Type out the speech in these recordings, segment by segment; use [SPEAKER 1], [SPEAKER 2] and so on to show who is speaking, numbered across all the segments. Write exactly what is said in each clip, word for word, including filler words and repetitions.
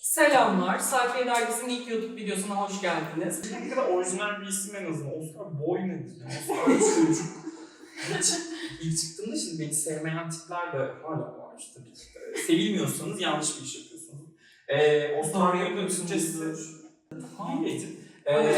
[SPEAKER 1] Selamlar, Sayfiye Dergisi'nin ilk YouTube videosuna hoş geldiniz.
[SPEAKER 2] Ne kadar orijinal bir isim en azından. Oscar Boy nedir? Oscar çocuk. Hiç ilk çıktığında şimdi beni sevmeyen tipler de hala var işte. Sevilmiyorsanız yanlış bir iş yapıyorsunuz. Ee, Oscar Boy'un Türkçesi... Hayır. Ee,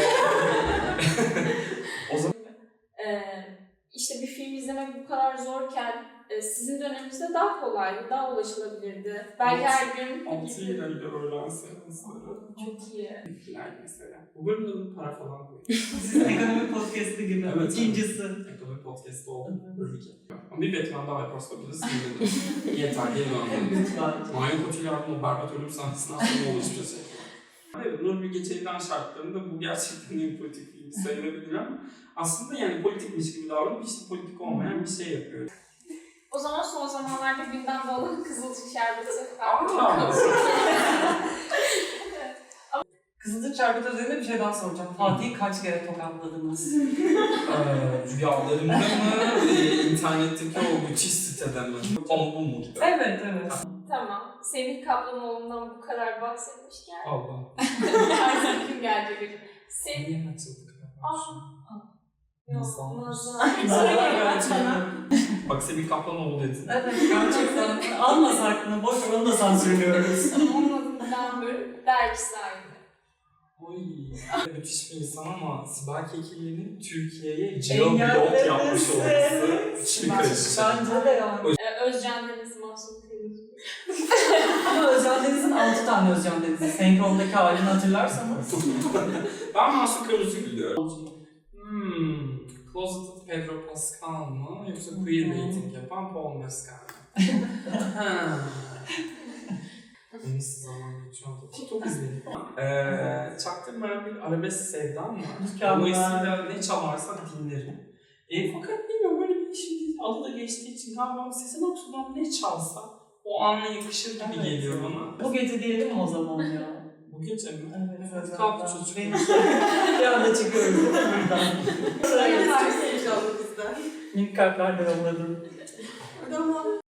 [SPEAKER 2] o zaman...
[SPEAKER 3] Ee, işte bir film izlemek bu kadar zorken e, sizin döneminizde daha kolaydı, daha ulaşılabilirdi. Belki her gün...
[SPEAKER 2] altı lirayla öğlen seansları.
[SPEAKER 3] Çok iyi.
[SPEAKER 2] Yani mesela. Bu bölümde para falan koyuyor.
[SPEAKER 1] Sizin ekonomi podcast'ı gibi.
[SPEAKER 2] Evet,
[SPEAKER 1] İkincisi.
[SPEAKER 2] Ekonomi podcast'ı oldu. Bölüm iki. Ama bir Batman daha yaparsa biliriz. Yeter, geri dönelim.
[SPEAKER 1] Lütfen.
[SPEAKER 2] Mario Cotillard'ın o berbat ölüm sahnesinden sonra oluşmuş bir şey. Evet, Nur Bilge Ceylan şartlarında bu gerçekten en politik film sayılabilir ama aslında yani politikmiş gibi davranıp işte politik olmayan bir şey yapıyor.
[SPEAKER 3] O zaman son zamanlarda gündemde olan Kızılcık Şerbeti.
[SPEAKER 2] Aa!
[SPEAKER 1] Kızılcık Şerbeti üzerinde bir şey daha soracağım. Fatih'i kaç kere tokatladınız?
[SPEAKER 2] Ee, rüyalarımda mı, e, internetteki o müthiş sitede mi? Ama bu mu gibi?
[SPEAKER 1] Evet, evet.
[SPEAKER 3] Tamam. Semih Kaplanoğlu'ndan bu kadar bahsetmişken
[SPEAKER 2] Allah.
[SPEAKER 3] artık kim gelecek acaba? Semih...
[SPEAKER 2] Niye açıldık?
[SPEAKER 3] Nazan.
[SPEAKER 1] Nazan
[SPEAKER 3] Nazan.
[SPEAKER 2] Bak Semih Kaplanoğlu dedin.
[SPEAKER 1] Evet, gerçekten. Almasak mı? Boş ver, onu da sansürlüyoruz.
[SPEAKER 3] Onun adından böyle dergi sahibi.
[SPEAKER 2] Oy. Müthiş bir insan ama Sibel Kekilli'nin Türkiye'ye
[SPEAKER 1] Engellemesi.
[SPEAKER 2] geoblok yapmış olması müthiş bir karışık.
[SPEAKER 1] Bence de yani.
[SPEAKER 3] Ee, Özcan Deniz, Mahsun Kırmızı.
[SPEAKER 1] Ama Özcan Deniz'in altı tane Özcan Deniz'i. Senkrondaki halini hatırlarsanız.
[SPEAKER 2] Ben Mahsun Kırmızı biliyorum. Hmm, Closeted Pedro Pascal mı yoksa queerbaiting yapan Paul Mescal mı? Ha. Neyse zaman geçiyor. TikTok izledim. Eee çaktırmayan bir arabesk sevdam var.
[SPEAKER 1] Mükemmel.
[SPEAKER 2] Dolayısıyla ne çalarsa dinlerim. E, fakat bilmiyorum böyle bir şimdi adı da geçtiği için galiba Sezen Aksu'dan ne çalsa o ana yakışır gibi
[SPEAKER 1] Evet.
[SPEAKER 2] geliyor bana.
[SPEAKER 1] Bu gece diyelim mi o zaman ya?
[SPEAKER 2] Bu gece mi?
[SPEAKER 1] Evet,
[SPEAKER 2] Evet,
[SPEAKER 1] evet.
[SPEAKER 2] kalktı çocuk.
[SPEAKER 1] Benim bir anda çıkıyoruz değil mi buradan?
[SPEAKER 4] Yaparsın inşallah bizden.
[SPEAKER 1] Minik kalpler de yolladım.
[SPEAKER 4] Tamam.